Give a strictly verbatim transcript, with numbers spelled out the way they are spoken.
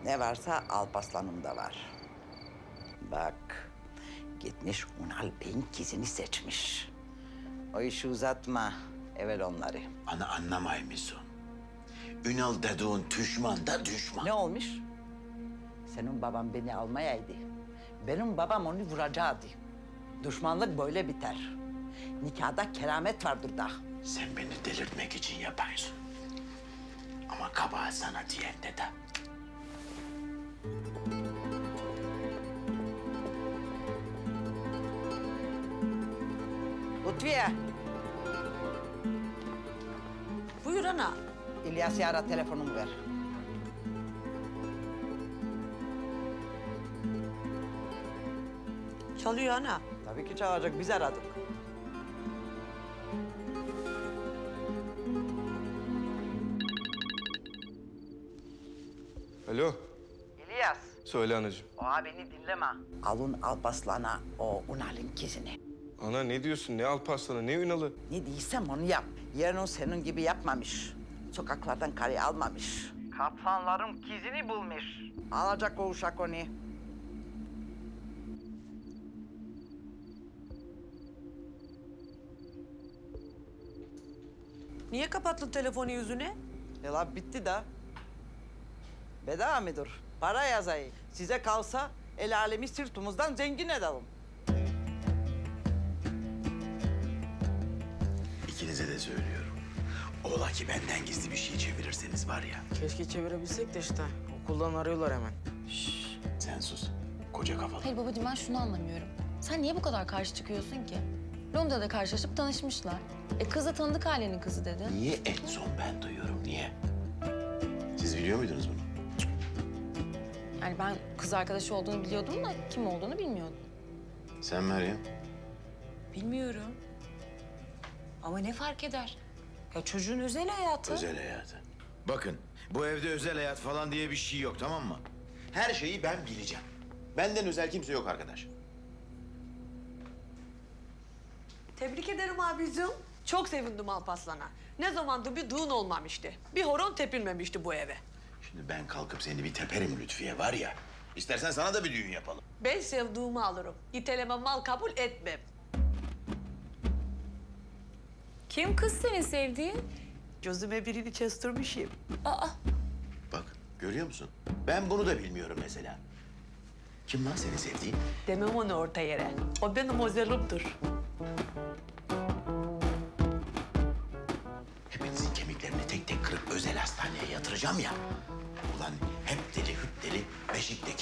Ne varsa Alparslan'ımda var. Bak, gitmiş Unal Bey'in kızını seçmiş. O işi uzatma, evvel onları. Ana anlamay mısın? Ünal dediğin düşman da düşman. Ne olmuş? Senin baban beni almayaydı. Benim babam onu vuracaktı. Düşmanlık böyle biter. Nikahda keramet vardır da. Sen beni delirtmek için yaparsın. Ama kabahat sana diyende de. Lütfiye, Buyur ana. İlyas'ı ara, telefonumu ver. Çalıyor ana. Tabii ki çalacak, biz aradık. Alo, İlyas, söyle anacığım. o beni dinleme. Alın Alparslan'a o Unal'ın kızını. Ana ne diyorsun? Ne Alparslan'ı, ne Ünal'ı? Ne diysem onu yap. Yarın o senin gibi yapmamış. Sokaklardan karı almamış. Kaplanların kızını bulmuş. Alacak o uşak onu. Niye kapattın telefonu yüzüne? Ya la bitti de. Bedava mıdır? Para yazayım. Size kalsa el alemi sırtımızdan zengin edelim. İkinize de söylüyorum. Ola ki benden gizli bir şey çevirirseniz var ya. Keşke çevirebilsek de işte. Okuldan arıyorlar hemen. Sen sus. Koca kafalı. Hayır babacığım ben şunu anlamıyorum. Sen niye bu kadar karşı çıkıyorsun ki? Londra'da karşılaşıp tanışmışlar. E kız da tanıdık ailenin kızı dedi. Niye en son ben duyuyorum, niye? Siz biliyor muydunuz bunu? Yani ben kız arkadaşı olduğunu biliyordum da kim olduğunu bilmiyordum. Sen Meryem. Bilmiyorum. Ama ne fark eder? Ya çocuğun özel hayatı. Özel hayatı. Bakın, bu evde özel hayat falan diye bir şey yok, tamam mı? Her şeyi ben bileceğim. Benden özel kimse yok arkadaş. Tebrik ederim abicim. Çok sevindim Alparslan'a. Ne zamandır bir düğün olmamıştı. Bir horon tepilmemişti bu eve. Şimdi ben kalkıp seni bir teperim Lütfiye var ya. İstersen sana da bir düğün yapalım. Ben sevduğumu alırım. İteleme mal kabul etmem. Kim kız senin sevdiğin? Gözüme birini kestirmişim. Bak, görüyor musun? Ben bunu da bilmiyorum mesela. Kim lan seni sevdiğin? Demem onu orta yere. O benim özelimdir. Hepinizin kemiklerini tek tek kırıp özel hastaneye yatıracağım ya. Ulan hep deli hüp deli, beşikte